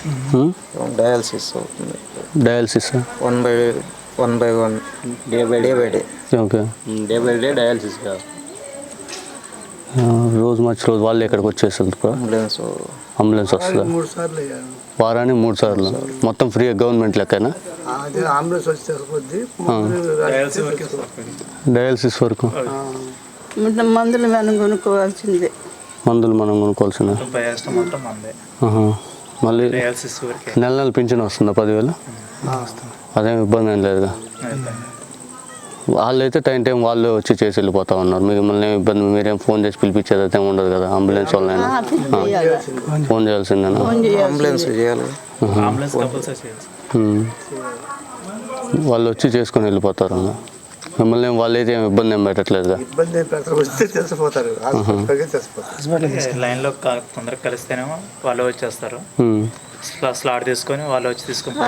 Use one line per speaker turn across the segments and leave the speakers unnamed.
Dialysis అవుతుంది.
Dialysis
1/1 day by day.
Okay.
Day by day dialysis కాదు,
రోజు వాళ్ళే ఇక్కడికి వచ్చేస్తారు. అంబులెన్స్ వస్తుందా? వారానికి 3 సార్లు మొత్తం ఫ్రీ గవర్నమెంట్ లెక్కనా? డయాలసిస్ వరకు
మందులు మనం కొనుక్కోవాల్సిందే.
మళ్ళీ నెల పింఛన్ వస్తుందా? 10,000? అదేం ఇబ్బంది ఏం లేదుగా. వాళ్ళు అయితే టైం వాళ్ళే వచ్చి చేసి వెళ్ళిపోతా ఉన్నారు. మిమ్మల్ని ఇబ్బంది మీరేం ఫోన్ చేసి పిలిపించేది అయితే ఉండదు కదా? అంబులెన్స్ వాళ్ళైనా ఫోన్ చేయాల్సిందేనా? వాళ్ళు వచ్చి చేసుకొని వెళ్ళిపోతారు. మిమ్మల్ని వాళ్ళు అయితే ఇబ్బంది ఏం పెట్టట్లేదుగా?
లైన్లో తొందరగా కలిస్తేనేమో వాళ్ళు వచ్చేస్తారు, స్లాట్ తీసుకొని వాళ్ళు వచ్చి తీసుకుంటారు.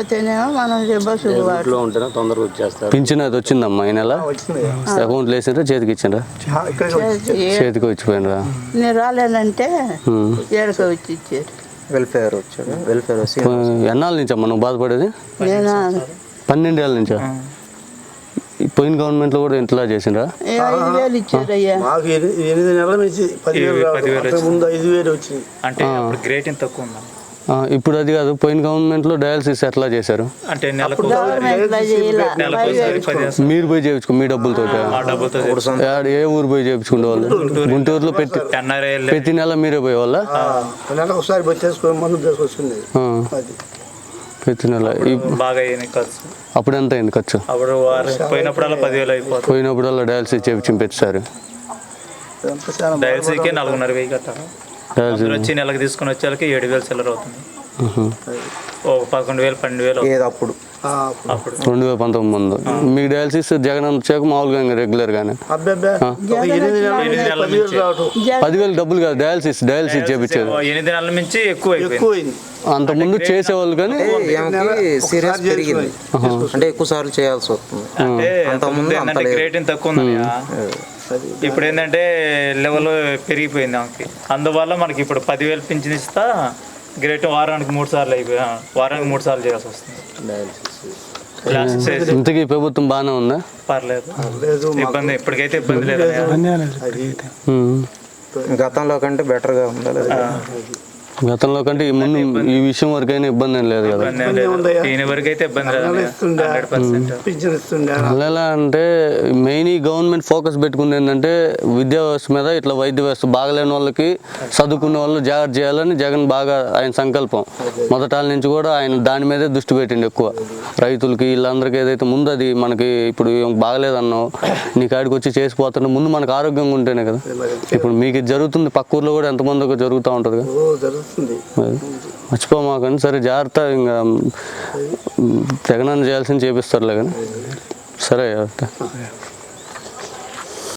తొందరగా వచ్చేస్తారు.
పింఛన్ అది వచ్చిందమ్మా ఈ నెల? అకౌంట్లో వేసిండ్రా చేతికి ఇచ్చిండ్రా? చేతికి వచ్చిపోయినరా?
నేను రాలేనంటే వచ్చి ఇచ్చారు.
వెల్ఫేర్ వచ్చాడు. వెల్ఫేర్ వచ్చి
ఎన్నాళ్ళ నుంచి అమ్మా నువ్వు బాధపడేది? 12 ఏళ్ళ నుంచా? పోయిన గవర్నమెంట్లో కూడా ఇంతలా చేసిండ్రా?
5,000 ఇచ్చారయ్యా.
8 నెలల నుంచి 10,000 వచ్చింది. అంటే గ్రేట్ ఇంత తక్కువ ఉందా?
ఇప్పుడు అది కాదు, పోయిన గవర్నమెంట్లో డయాలసిస్ ఎట్లా చేశారు?
అంటే
మీరు పోయి చేయించుకో మీ డబ్బులతో. ఏ ఊరు పోయి చేయించుకునే వాళ్ళు? గుంటూరులో ప్రతి నెల మీరే పోయేవాళ్ళ? ప్రతి నెల
బాగా ఖర్చు.
అప్పుడు ఎంత అయింది ఖర్చు?
పోయినప్పుడల్లా 10,000 అయిపోతుంది.
పోయినప్పుడల్లా డయాలసిస్ చేయించి పెట్టారు.
డయాలసిస్కే 4,500 కట్టాలి. వచ్చి నెలకు తీసుకుని వచ్చేళ్ళకి 7,000 చిల్లర అవుతుంది. 11,000 12,000
అప్పుడు
2019 ముందు మీకు డయాలసిస్ జగన్ వచ్చాక మామూలుగా రెగ్యులర్ గానే 10,000 డబ్బులు కాదు, డయాలసిస్ చేయించేది
8 నెలల నుంచి ఎక్కువ.
అంత ముందు చేసేవాళ్ళు కానీ
సీరియస్ పెరిగింది అంటే ఎక్కువ సార్లు చేయాల్సి వస్తుంది.
అంటే గ్రేట్ తక్కువ ఉంది. ఇప్పుడు ఏంటంటే లెవెల్ పెరిగిపోయింది ఆమెకి. అందువల్ల మనకి ఇప్పుడు 10,000 పింఛన్ ఇస్తా గ్రేట్ వారానికి 3 సార్లు చేయాల్సి వస్తుంది.
ఇంతకీ ప్రభుత్వం బాగానే ఉందా?
పర్లేదు, ఇబ్బంది ఇప్పటికైతే ఇబ్బంది లేదు.
గతంలో కంటే బెటర్గా ఉండాలి.
గతంలో కంటే ముందు ఈ విషయం వరకు అయినా ఇబ్బంది ఏం లేదు కదా? ఎలా అంటే మెయిన్ ఈ గవర్నమెంట్ ఫోకస్ పెట్టుకుంది ఏంటంటే విద్యా వ్యవస్థ మీద. ఇట్లా వైద్య వ్యవస్థ బాగలేని వాళ్ళకి, చదువుకునే వాళ్ళు జాగ్రత్త చేయాలని జగన్ బాగా ఆయన సంకల్పం. మొదటాల నుంచి కూడా ఆయన దాని మీదే దృష్టి పెట్టిండు ఎక్కువ. రైతులకి వీళ్ళందరికీ ఏదైతే ముందు అది మనకి ఇప్పుడు బాగలేదన్నావు నీ కాడికి వచ్చి చేసిపోతున్నా ముందు మనకు ఆరోగ్యంగా ఉంటేనే కదా. ఇప్పుడు మీకు ఇది జరుగుతుంది, పక్క ఊర్లో కూడా ఎంతమందికి జరుగుతూ ఉంటుంది కదా. మర్చిపోమాకని సరే జాగ్రత్త. ఇంకా జగనన్న చేయాల్సింది చేపిస్తారులే కానీ సరే.